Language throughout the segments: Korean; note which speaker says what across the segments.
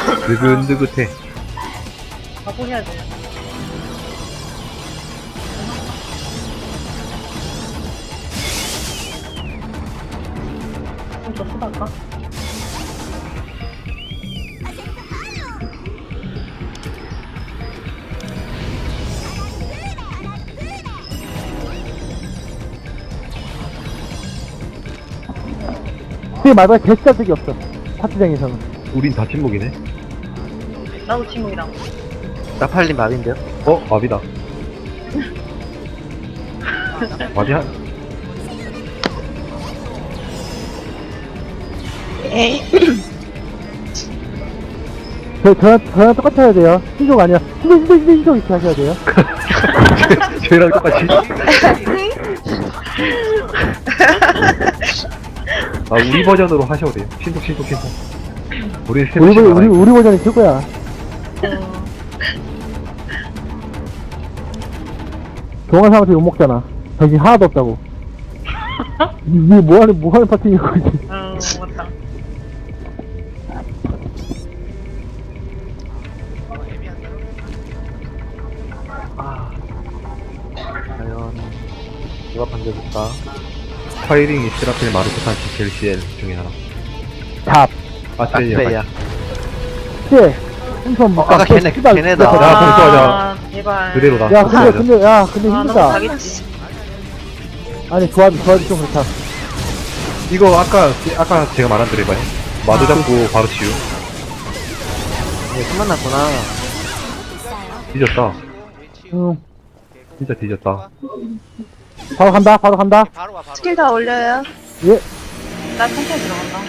Speaker 1: 느긋느긋해.
Speaker 2: 바보 해야 돼. 좀 더 쓰다가?
Speaker 3: 그게 말보다 개짜 적이 없어. 파티장에서는.
Speaker 1: 우린 다 침묵이네.
Speaker 2: 나도 침묵이랑.
Speaker 4: 나팔린 맙인데요?
Speaker 1: 어? 마비다. 마비 한,
Speaker 3: 저랑 똑같이 해야 돼요. 신종 아니야. 신종 이렇게 하셔야 돼요.
Speaker 1: 쟤랑 똑같이. 아, 우리 버전으로 하셔도 돼요. 신속. 우리 새로
Speaker 3: 우리 버전이 최고야. 동안 사람한테 욕먹잖아. 정신 하나도 없다고. 이게 뭐하는 파티인 거지.
Speaker 2: 맞다.
Speaker 4: 과연 누가 반겨줄까?
Speaker 1: 파이링이 시라필 마르코산 젤시엘 중에 하나.
Speaker 3: 잡.
Speaker 4: 아트레이야.
Speaker 3: 씨. 엄청 막.
Speaker 4: 아까 걔네다.
Speaker 1: 야, 벌써
Speaker 2: 제발.
Speaker 1: 그대로다.
Speaker 3: 야, 근데
Speaker 2: 아, 너무
Speaker 3: 힘들다.
Speaker 2: 가겠지.
Speaker 3: 아니, 조합이 좀 그렇다.
Speaker 1: 이거 아까 제가 말한 대로 해봐요. 마도 잡고 바로 치유.
Speaker 4: 네, 숨만 났구나.
Speaker 1: 뒤졌다.
Speaker 3: 응.
Speaker 1: 진짜 뒤졌다.
Speaker 3: 바로 간다.
Speaker 5: 바로 와 바로.
Speaker 6: 스킬 다 올려요.
Speaker 3: 예.
Speaker 2: 나 천천히 들어간다.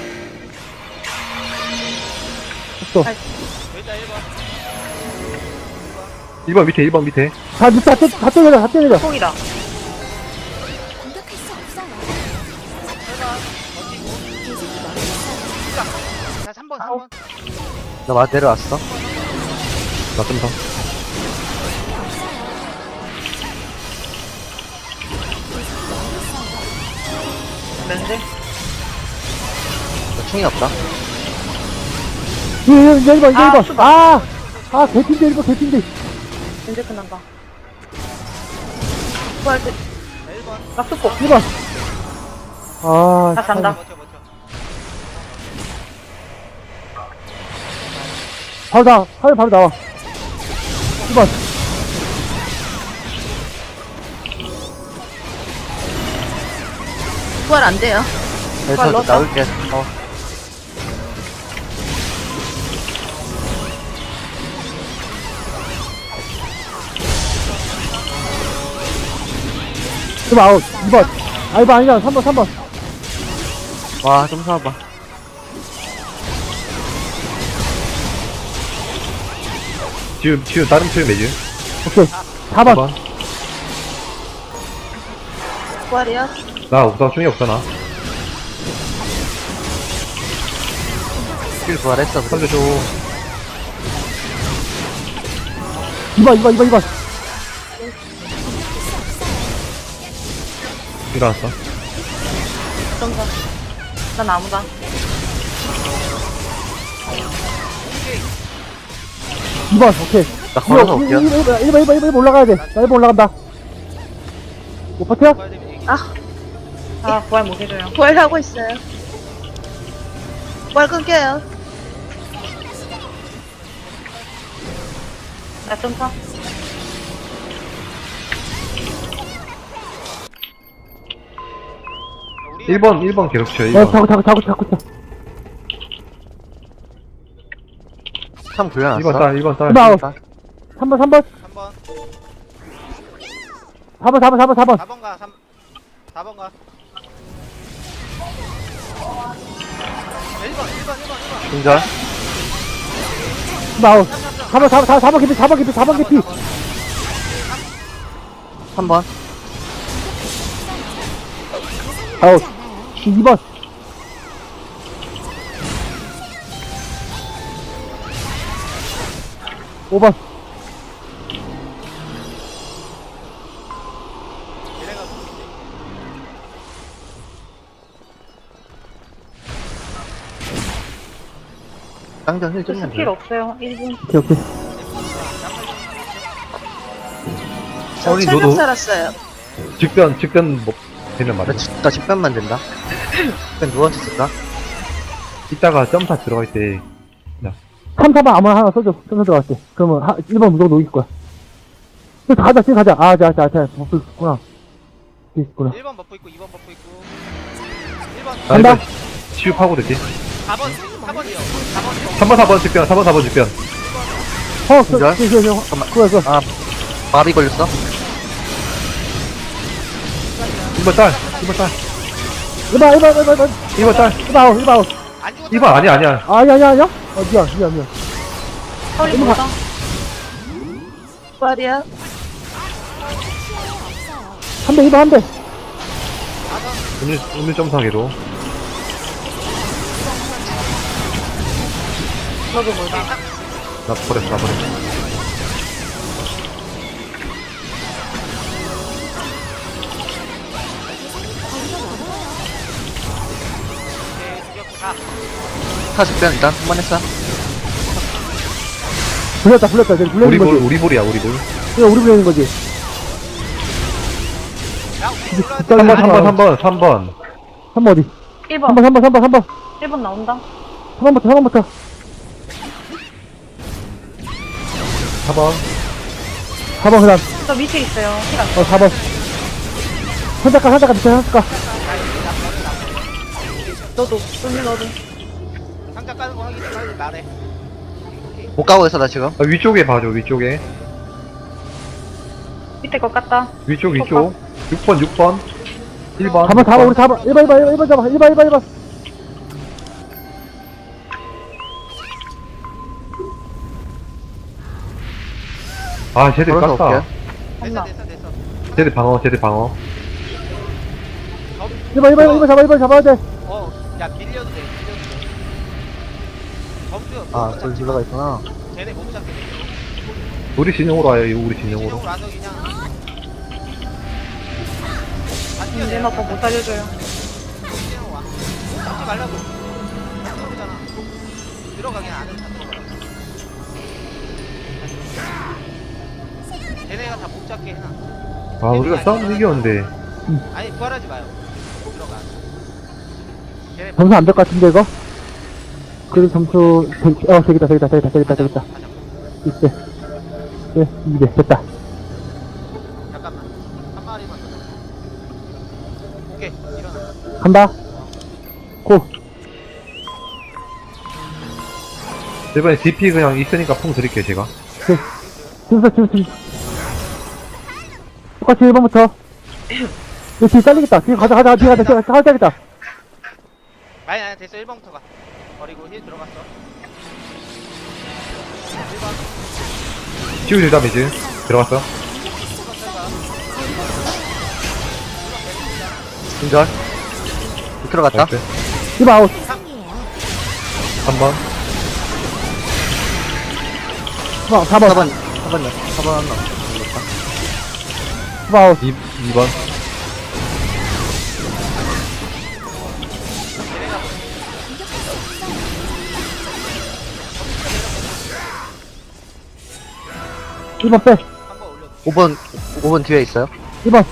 Speaker 3: 또.
Speaker 5: 여기다 1번.
Speaker 1: 1번 밑에, 1번 밑에.
Speaker 3: 다 때려려.
Speaker 2: 콩이다.
Speaker 7: 공격할 수 없어요.
Speaker 5: 1번 버티고. 자 3번.
Speaker 4: 나 내려왔어.
Speaker 1: 나 좀 더.
Speaker 2: 면제?
Speaker 4: 나 충이 없다.
Speaker 3: 이제 1번.
Speaker 2: 수박.
Speaker 3: 개핀데, 1번.
Speaker 2: 면제 끝난다. 부활 때.
Speaker 5: 1번.
Speaker 2: 나 수폭.
Speaker 3: 1번.
Speaker 2: 나 잔다.
Speaker 5: 버텨.
Speaker 3: 바로 나와. 1번.
Speaker 6: 부활 안 돼요.
Speaker 4: 네,
Speaker 2: 빨리
Speaker 4: 저
Speaker 2: 넣었다.
Speaker 4: 나올게.
Speaker 3: 좀 아웃. 2번. 2번 아니잖아. 3번.
Speaker 4: 와, 좀 사봐.
Speaker 1: 지금 다른 표현 매즈.
Speaker 3: 오케이. 4번.
Speaker 1: 4번.
Speaker 6: 부활이요.
Speaker 1: 나 우선 중이 없잖아.
Speaker 4: 스킬 부활했어. 그래.
Speaker 1: 살려줘.
Speaker 3: 2번.
Speaker 1: 일어났어.
Speaker 2: 점사. 난 나무다.
Speaker 3: 2번. 오케이.
Speaker 4: 나 걸어서 올게요.
Speaker 3: 1번 올라가야 돼. 나 1번 올라간다. 못 버텨?
Speaker 2: 아, 부활 못 해줘요.
Speaker 6: 부활하고 있어요. 부활 끊겨요.
Speaker 2: 나 점사.
Speaker 5: 우리
Speaker 1: 1번 계속 쳐,
Speaker 3: 야,
Speaker 1: 1번.
Speaker 3: 자꾸.
Speaker 4: 참 굴려놨어.
Speaker 1: 1번 딸, 1번 딸.
Speaker 3: 1번 아웃. 3번.
Speaker 5: 3번.
Speaker 3: 4번.
Speaker 5: 4번 가. 4번 가. 1번.
Speaker 4: 충전.
Speaker 3: 1번 아웃. 4번 개피.
Speaker 4: 3번.
Speaker 3: 아웃. 2번. 5번.
Speaker 5: 얘네가 누구지?
Speaker 4: 쌍전 힐
Speaker 2: 저
Speaker 4: 좀만
Speaker 2: 스킬
Speaker 4: 돼.
Speaker 2: 없어요. 1분.
Speaker 3: 오케이, 오케이.
Speaker 6: 저
Speaker 1: 아니,
Speaker 6: 철벽
Speaker 1: 너도-
Speaker 6: 살았어요.
Speaker 1: 직변 뭐 되면 말해.
Speaker 4: 나 직변만 된다. 직변 누워서 쓸까?
Speaker 1: 이따가 점사 들어갈 때
Speaker 3: 3, 4번 아무나 하나 써줘. 써서 들어갈게. 그러면 1번 무조건 녹일 거야. 지금 가자, 지금 가자. 아, 자, 버프 있구나. 있구나.
Speaker 5: 1번 버프 있고 2번 버프 있고 1번
Speaker 1: 나
Speaker 3: 간다.
Speaker 1: 이거 치유하고 될게.
Speaker 5: 4번 4번이요 4번
Speaker 1: 3번 4번 직변 3번 4번 직변.
Speaker 4: 진짜?
Speaker 3: 잠깐만. 그거.
Speaker 4: 아, 마비 걸렸어?
Speaker 1: 1번 딸 1번 딸
Speaker 3: 1번.
Speaker 1: 1번 딸
Speaker 3: 1번 아웃.
Speaker 5: 안 죽었다
Speaker 1: 1번 아니야 아니야.
Speaker 3: 아니야. 미안.
Speaker 2: 허리 보다.
Speaker 6: 부활이요.
Speaker 3: 한 대, 2번 한 대.
Speaker 1: 오늘 점사기로.
Speaker 2: 너도 몰라.
Speaker 1: 나 버렸어.
Speaker 4: 타 직변 일단 한 번 했어.
Speaker 3: 불렸다. 이제 불리는 거지.
Speaker 1: 우리 볼이야 우리 볼.
Speaker 3: 이거 우리 불리는 거지.
Speaker 5: 야 우리
Speaker 1: 3번
Speaker 3: 3번 어디?
Speaker 2: 1번.
Speaker 3: 3번.
Speaker 2: 1번 나온다.
Speaker 3: 3번부터.
Speaker 1: 4번
Speaker 3: 4번 그다음.
Speaker 2: 저 밑에 있어요. 시간.
Speaker 3: 4번. 선착가 밑에 선착가.
Speaker 2: 너도. 쏠리 너도.
Speaker 5: 상자 까는 거 확인 빨리 말해
Speaker 4: 못 가고 있어 나 지금.
Speaker 1: 아, 위쪽에 봐줘 위쪽에.
Speaker 2: 밑에 것 같다.
Speaker 1: 위쪽 6번 1번
Speaker 3: 4번 우리 4번. 1번 잡아. 1번.
Speaker 1: 아 쟤들
Speaker 4: 걸어서
Speaker 1: 깠다.
Speaker 4: 올게.
Speaker 2: 엄마.
Speaker 5: 됐어
Speaker 1: 쟤들 방어
Speaker 3: 1번 잡아야 돼.
Speaker 5: 야 밀려도 돼 점수
Speaker 4: 아, 저기 들어가 있구나.
Speaker 5: 쟤네 못 잡게 돼
Speaker 1: 우리 진영으로 와요 우리 진영으로.
Speaker 5: 진영으로 와서 그냥 안
Speaker 2: 얘
Speaker 5: 뛰어내려
Speaker 2: 나못 살려줘요.
Speaker 5: 진영으로 와 잡지 말라고 안 들어오잖아 들어가긴 안 해도 다 들어가 쟤네가 다 못 잡게 해놔
Speaker 1: 아 우리가 싸움 이겼는데.
Speaker 5: 아니 부활하지 마요 들어가 쟤네
Speaker 3: 점수 안 될 것 같은데 이거? 그래도 점수 되겠다. 이때. 네, 2대 됐다.
Speaker 5: 잠깐만 한 마리만 더 오케이 일어나
Speaker 3: 간다. 고.
Speaker 1: 이번에 DP 그냥 있으니까 풍 드릴게요 제가.
Speaker 3: 지금. 똑같이 1번부터. 이거 뒤에 잘리겠다. 뒤에 가자. 뒤에 가자.
Speaker 5: 아니 됐어 1번부터 가 버리고 힐 들어갔어 1번
Speaker 1: 치유 다미지 들어갔어.
Speaker 4: 진절. 들어갔다.
Speaker 1: 나이스.
Speaker 3: 1번 아웃.
Speaker 1: 3번
Speaker 3: 4번.
Speaker 4: 4번 한나.
Speaker 3: 1번 아웃.
Speaker 1: 2번
Speaker 3: 1번 빼.
Speaker 5: 한번 올려
Speaker 4: 5번 뒤에 있어요.
Speaker 3: 1번.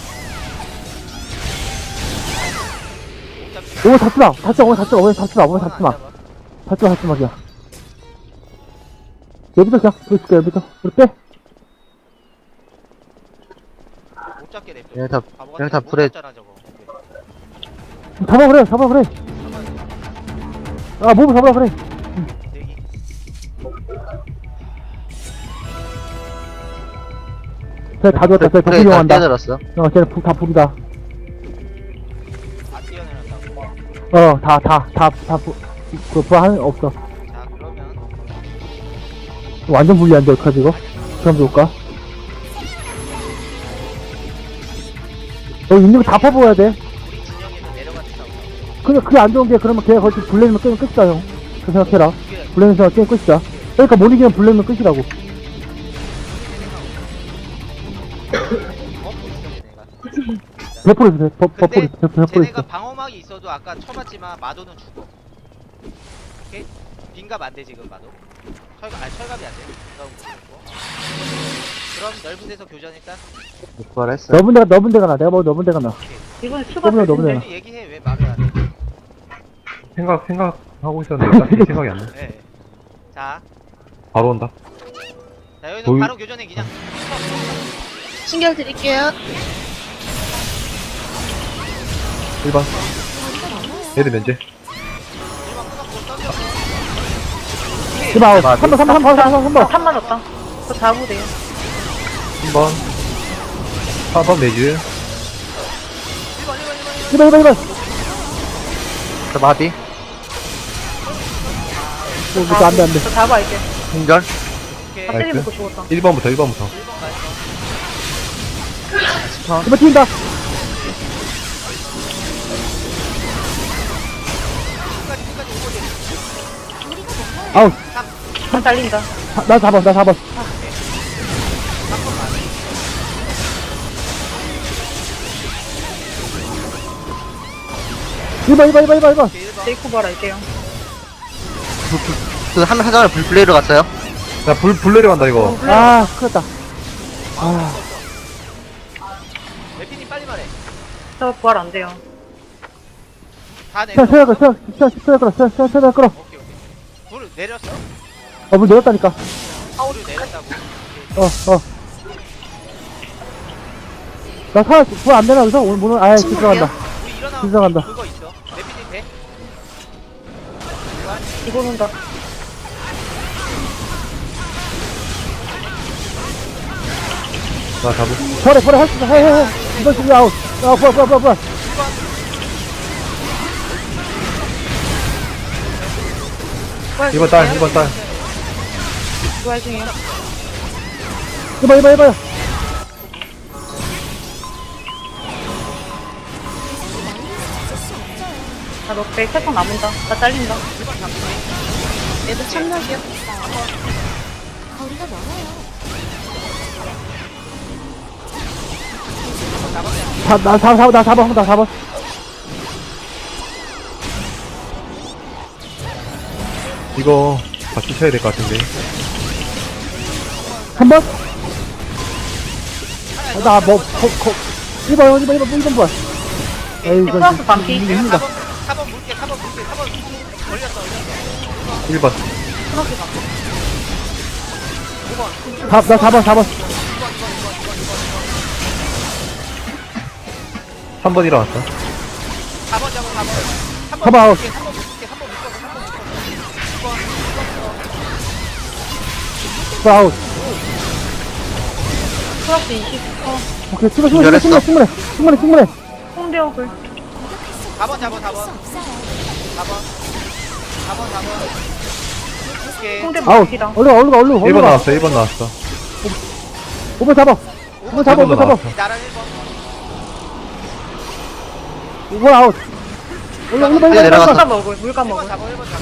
Speaker 3: 5번 잡지 마. 5번 잡지 마. 잡지 마, 그냥. 여기서 그냥, 보여줄게, 여기서. 우리 빼.
Speaker 5: 못 잡게 냅둬
Speaker 4: 얘네 다
Speaker 5: 바보
Speaker 4: 얘네
Speaker 5: 같은
Speaker 4: 다
Speaker 5: 못
Speaker 4: 불에
Speaker 5: 잡잖아, 저거.
Speaker 3: 잡아, 그래. 아, 몸을 잡아, 그래.
Speaker 5: 대기
Speaker 3: 쟤다 죽었다. 쟤 버프 이용한다.
Speaker 4: 뛰어들었어.
Speaker 3: 쟤네 다 불이다.
Speaker 5: 안 뛰어내렸다고
Speaker 3: 그 부하는 없어.
Speaker 5: 자 그러면
Speaker 3: 완전 불리한데, 어떡하지, 이거? 그럼 좋을까? 여기 있는 거 다 퍼부어야 돼.
Speaker 5: 우리 진영에서 내려갔다고
Speaker 3: 근데 그게 안 좋은 게, 그러면 걔가 거기 블랙이면 게임 끝이다, 형. 그 생각해라.
Speaker 5: 이게
Speaker 3: 블랙에서 게임 끝이다. 그러니까 못 이기면 블랙이면 끝이라고.
Speaker 5: 버프 있어 얘네가
Speaker 3: 100% 있어,
Speaker 5: 근데
Speaker 3: 100%
Speaker 5: 쟤네가
Speaker 3: 있어.
Speaker 5: 방어막이 있어도 아까 쳐봤지만 마도는 죽어 오케이? 민갑 안 돼 지금 봐도. 철갑이 안 돼. 민갑은 모르겠고. 그럼 넓은 데서 교전 일단.
Speaker 4: 부활했어요.
Speaker 3: 넓은 데가 나. 내가 뭐 넓은 데가 나.
Speaker 2: 이건 추가
Speaker 3: 너무나, 너무나.
Speaker 2: 패스인데.
Speaker 5: 빨리 얘기해 왜 말을 안 해?
Speaker 1: 생각하고 있었는데 딱히 생각이 안 나.
Speaker 5: 네. 자,
Speaker 1: 바로 온다.
Speaker 5: 자 여기서
Speaker 1: 도일-
Speaker 5: 바로 교전해 그냥.
Speaker 7: 신결 드릴게요.
Speaker 1: 1번. 애들 면제.
Speaker 5: 일반 끊었고 던져.
Speaker 3: 이봐, 3번.
Speaker 2: 3만 줬다. 저 잡으면 돼요.
Speaker 1: 1번. 4번 매즈.
Speaker 3: 1번.
Speaker 4: 저 마비.
Speaker 3: 안 돼.
Speaker 2: 저 잡아, 이제.
Speaker 4: 공절.
Speaker 5: 오케이.
Speaker 2: 다 때리
Speaker 1: 나이스.
Speaker 2: 먹고 죽었다.
Speaker 1: 1번부터 1번부터.
Speaker 5: 1번 가있어.
Speaker 3: 1번 튀긴다.
Speaker 5: 끝까지 오고
Speaker 3: 아우,
Speaker 2: 한 달린다.
Speaker 3: 나 4번. 이번
Speaker 5: 오케이 1번.
Speaker 2: 제이코 봐라, 이제요.
Speaker 4: 그 하장을 불플레이로 갔어요.
Speaker 1: 자, 불 내려간다, 이거.
Speaker 3: 아, 큰일 났다. 아,
Speaker 5: 레피님 빨리 말해.
Speaker 2: 저 부활 안 돼요.
Speaker 5: 다 내려.
Speaker 3: 세야 끌어.
Speaker 5: 오케이. 불을 내렸어?
Speaker 3: 문 내렸다니까.
Speaker 5: 불을 내렸다고.
Speaker 3: 나 안 되나, 여기서? 오늘, 아예, 들어간다.
Speaker 5: 우리 일어나.
Speaker 3: 들어간다.
Speaker 5: 그거 있어. 레피님 돼?
Speaker 2: 이번 온다.
Speaker 1: 나 잡을.
Speaker 3: 버려, 할 수 있어. 해. 이번 준비 아웃. 부활.
Speaker 1: 1번 딸, 1번 딸.
Speaker 2: 부활 중이에요.
Speaker 3: 1번.
Speaker 2: 나 넉백 세번 남은다. 나 잘린다.
Speaker 7: 얘도 참력이요. 거리가 멀어요.
Speaker 3: 나 4번.
Speaker 1: 이거 같이 쳐야 될 것 같은데.
Speaker 3: 3번? 나 뭐, 1번 부활. 에이, 이거,
Speaker 2: 플러스 반피.
Speaker 3: 힘들다.
Speaker 5: 4번 물게. 4번 걸렸어.
Speaker 1: 1번.
Speaker 2: 플러스 반피.
Speaker 3: 나 4번.
Speaker 1: 3번 일어났어.
Speaker 5: 4번 잡아 4번.
Speaker 3: 4번 아웃.
Speaker 5: 3번 묶게. 3번 묶어.
Speaker 3: 부활 아웃.
Speaker 2: 플러스 20.
Speaker 3: 오케이,
Speaker 4: 열했어.
Speaker 3: 충분해.
Speaker 2: 홍대역을.
Speaker 5: 4번 잡아 4번.
Speaker 7: 없어요.
Speaker 5: 4번. 오케이.
Speaker 2: 홍대
Speaker 3: 아웃.
Speaker 2: 무기다.
Speaker 3: 얼른
Speaker 1: 1번
Speaker 3: 가.
Speaker 1: 나왔어, 1번 나왔어.
Speaker 3: 5번 잡아. 5번 잡아.
Speaker 1: 나왔어.
Speaker 5: 나랑 1번.
Speaker 3: 5번 아웃. 얼른
Speaker 4: 네, 내려갔어.
Speaker 2: 물감 먹을.
Speaker 5: 1번 잡아 1번 잡아.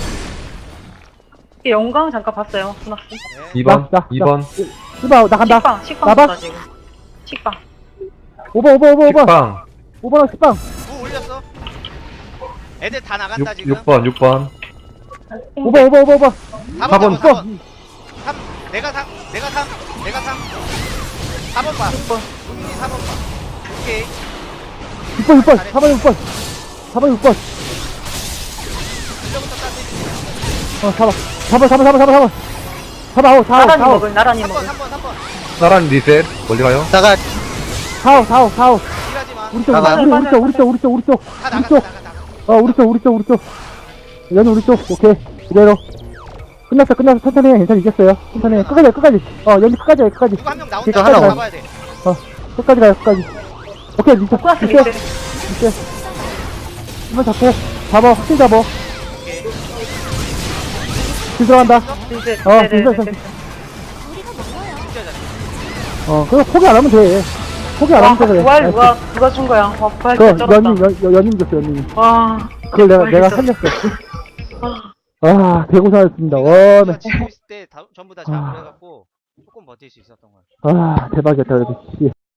Speaker 2: 영광 잠깐 봤어요. 순학씨.
Speaker 5: 네.
Speaker 1: 2번,
Speaker 3: 나.
Speaker 1: 2번.
Speaker 3: 1번 아웃. 나 간다.
Speaker 2: 식빵
Speaker 3: 나봐.
Speaker 2: 줬다, 지금. 식빵.
Speaker 3: 5번.
Speaker 1: 식빵.
Speaker 3: 5번 식빵.
Speaker 5: 무 올렸어. 애들 다 나간다 지금.
Speaker 1: 6번.
Speaker 3: 5번.
Speaker 5: 4번
Speaker 1: 4번.
Speaker 5: 잡아 4번. 3. 내가 3. 4번 봐.
Speaker 2: 6번.
Speaker 5: 우민이 4번 봐. 오케이.
Speaker 3: 6번. 4번 6번. 4번 6번.
Speaker 5: 일로부터 따지.
Speaker 3: 4번 아웃.
Speaker 2: 나란히 먹을. 나란히
Speaker 5: 3번
Speaker 2: 먹을.
Speaker 5: 3번.
Speaker 1: 나란 리셋. 멀리 가요.
Speaker 4: 나가.
Speaker 3: 4호.
Speaker 5: 일하지 마.
Speaker 3: 우리 쪽.
Speaker 4: 나가.
Speaker 5: 다 나가.
Speaker 3: 우리 쪽. 연이 우리 쪽. 오케이. 그대로. 끝났어. 천천히 해. 괜찮아. 이겼어요. 천천히 해. 끝까지. 연이 끝까지.
Speaker 5: 누구 한 명 나온다.
Speaker 3: 이거
Speaker 4: 하나
Speaker 5: 잡아야 돼.
Speaker 3: 끝까지 가요. 오케이. 리셋.
Speaker 2: 플러스
Speaker 3: 리셋.
Speaker 2: 20.
Speaker 3: 한번 잡고. 확실히 잡아.
Speaker 5: 오케이.
Speaker 3: 길 들어간다.
Speaker 2: 이제.
Speaker 3: 어,
Speaker 2: 네네네.
Speaker 3: 진짜.
Speaker 7: 거리가 멀어요.
Speaker 5: 진짜 잘해.
Speaker 3: 그거 포기 안 하면 돼. 포기 안
Speaker 2: 와,
Speaker 3: 하면 돼. 그래.
Speaker 2: 부활 누가 준 거야? 와, 부활
Speaker 3: 그,
Speaker 2: 진짜 쩔었다.
Speaker 3: 연님 줬어, 연님.
Speaker 2: 와.
Speaker 3: 그걸 내가
Speaker 2: 진짜.
Speaker 3: 살렸어.
Speaker 2: 아.
Speaker 3: 대고생하셨습니다.
Speaker 5: 우리가 치고 있을 때 전부 다 잡으려 해갖고 조금 버틸 수 있었던 거야.
Speaker 3: 대박이었다, 그래도. 씨.